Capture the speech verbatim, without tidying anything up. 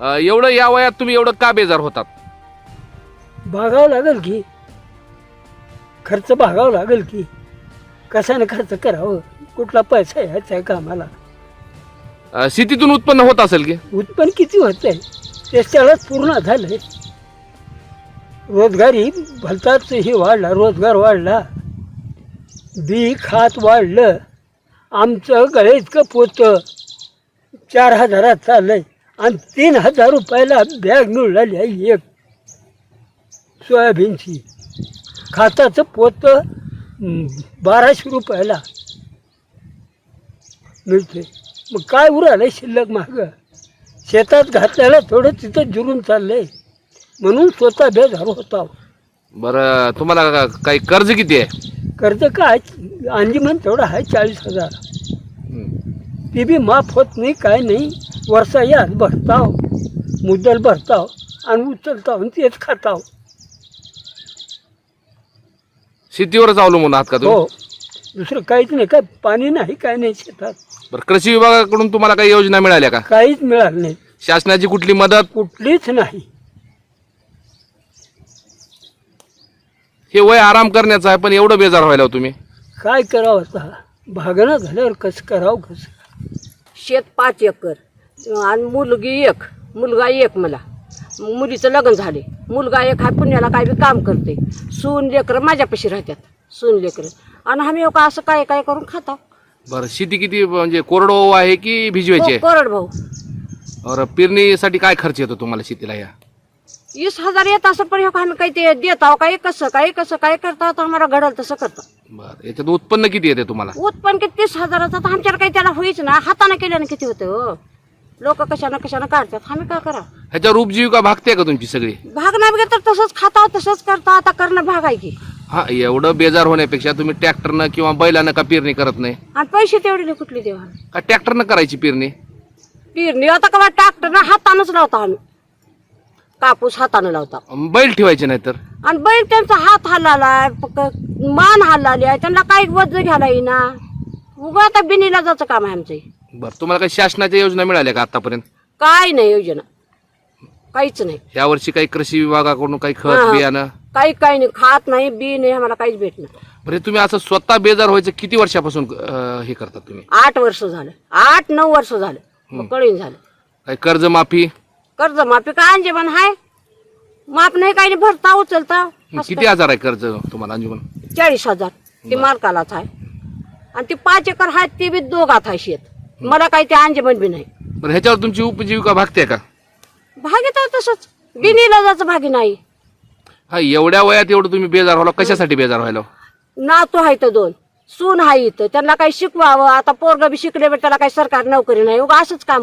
अ, एवढं या वयात तुम्ही एवढं का बेजार होतात? भागावं लागेल की, खर्च भागावं लागेल की, कशाने खर्च करावं, कुठला पैसा यायचा आहे कामाला, अ, शेतीतून उत्पन्न होत असेल की? उत्पन्न किती होत आहे त्याच्यालाच पूर्ण झालंय. रोजगारी भलताच हे वाढला, रोजगार वाढला, बी खात वाढलं. आमचं गळे इतकं पोतं चार हजारात चाललंय आणि तीन हजार रुपयाला बॅग मिळाली आहे एक सोयाबीनची. खाताचं पोतं हं, बाराशे रुपयाला मिळते. मग काय उरालं शिल्लक मागं? शेतात घातल्याला थोडं तिथं जुरून चाललंय, म्हणून स्वतः बेजार होता. बरं, तुम्हाला का- काही कर्ज किती आहे? कर्ज काय अंजीमन तेवढं आहे चाळीस हजार. ती बी माफ होत नाही, काय नाही. वर्षा यात भरताव, मुद्दल भरताव आणि उचलताव आणि तेच खाताव. शेतीवरच अवलंबून आहात का तुम्ही? हो, दुसरं काहीच नाही. काय पाणी नाही, काय नाही शेतात, बरं, कृषी विभागाकडून तुम्हाला काही योजना मिळाल्या का? काहीच मिळालं नाही, शासनाची कुठली मदत? कुठलीच नाही. हे वय आराम करण्याचं आहे, पण एवढं बेजार व्हायला हो तुम्ही? काय करावं आता, भागणं झाल्यावर कसं करावं कसं. शेत पाच एकर आणि मुलगी एक, मुलगा एक. मला मुलीचं लग्न झाले, मुलगा एक हा पुण्याला काय बी काम करते. सून लेकरं माझ्यापाशी राहतात, सून लेकरं, आणि आम्ही का असं काय काय करून खाता. बरं, शेती किती म्हणजे कोरडवाहू आहे की भिजवायची आहे? कोरड भाऊ. बरं, पेरणीसाठी काय खर्च येतो तुम्हाला शेतीला? या वीस हजार येत असं, पण ह्यो आम्ही काही ते देत आहो, काय कसं काय कसं काय करता तर आम्हाला घडल तसं करता. बरं, याच्यात उत्पन्न किती येते तुम्हाला? उत्पन्न किती तीस हजाराचं, तर आमच्याला काही त्याला होईच ना. हाताने केल्यानं किती होतं हो, लोक कशानं कशानं काढतात, आम्ही काय करा. ह्याच्यावर उपजीविका भागते का तुमची सगळी? भाग नाही बघा तर तसंच खाता तसंच करता. आता करणं भाग आहे की. हा, एवढं बेजार होण्यापेक्षा तुम्ही ट्रॅक्टरनं किंवा बैलानं का पेरणी करत नाही? आणि पैसे तेवढे नाही कुठले देवा. का ट्रॅक्टरनं करायची पेरणी? पेरणी आता का ट्रॅक्टरनं हातानंच लावता आम्ही, कापूस हातानं लावता. बैल ठेवायचे नाही तर? आणि बैल त्यांचा हात हल्लालाय, मान हल्लाली आहे, त्यांना काही वज घ्यायला येईना. उगा आता बिनीला जायचं काम आहे आमचं. बरं, तुम्हाला काही शासनाच्या योजना मिळाल्या का आतापर्यंत? काय नाही योजना, काहीच नाही. या वर्षी काही कृषी विभागाकडून काही खत हा. बियाणं? काही काही नाही, खात नाही बी नाही, आम्हाला काहीच भेटणार. बरं, तुम्ही असं स्वतः बेजार व्हायचं किती वर्षापासून अं, हे करतात तुम्ही? आठ वर्ष झालं, आठ नऊ वर्ष झालं, मग कळीन झालं. काही कर्जमाफी? कर्ज माफी काय अंजेबन हाय, माफ नाही काही नाही, भरता उचलता. किती हजार आहे कर्ज तुम्हाला अंजुमन? चाळीस हजार ती मालकालाच आहे, आणि ती पाच एकर आहे ती बी दोघात आहे शेत. मला काही ते अंजेबन बी नाही. बरं, ह्याच्यावर तुमची उपजीविका भागते का? भागीत आहे तसंच, बिनीला जायचं भागी नाही. हा, एवढ्या वयात एवढं तुम्ही बेजार व्हायला, कशासाठी बेजार व्हायला? नातू आहे तर दोन, सून आहे इथं, त्यांना काही शिकवावं. आता पोरग बी शिकले, त्याला काही सरकारी नोकरी नाही, उगा असंच काम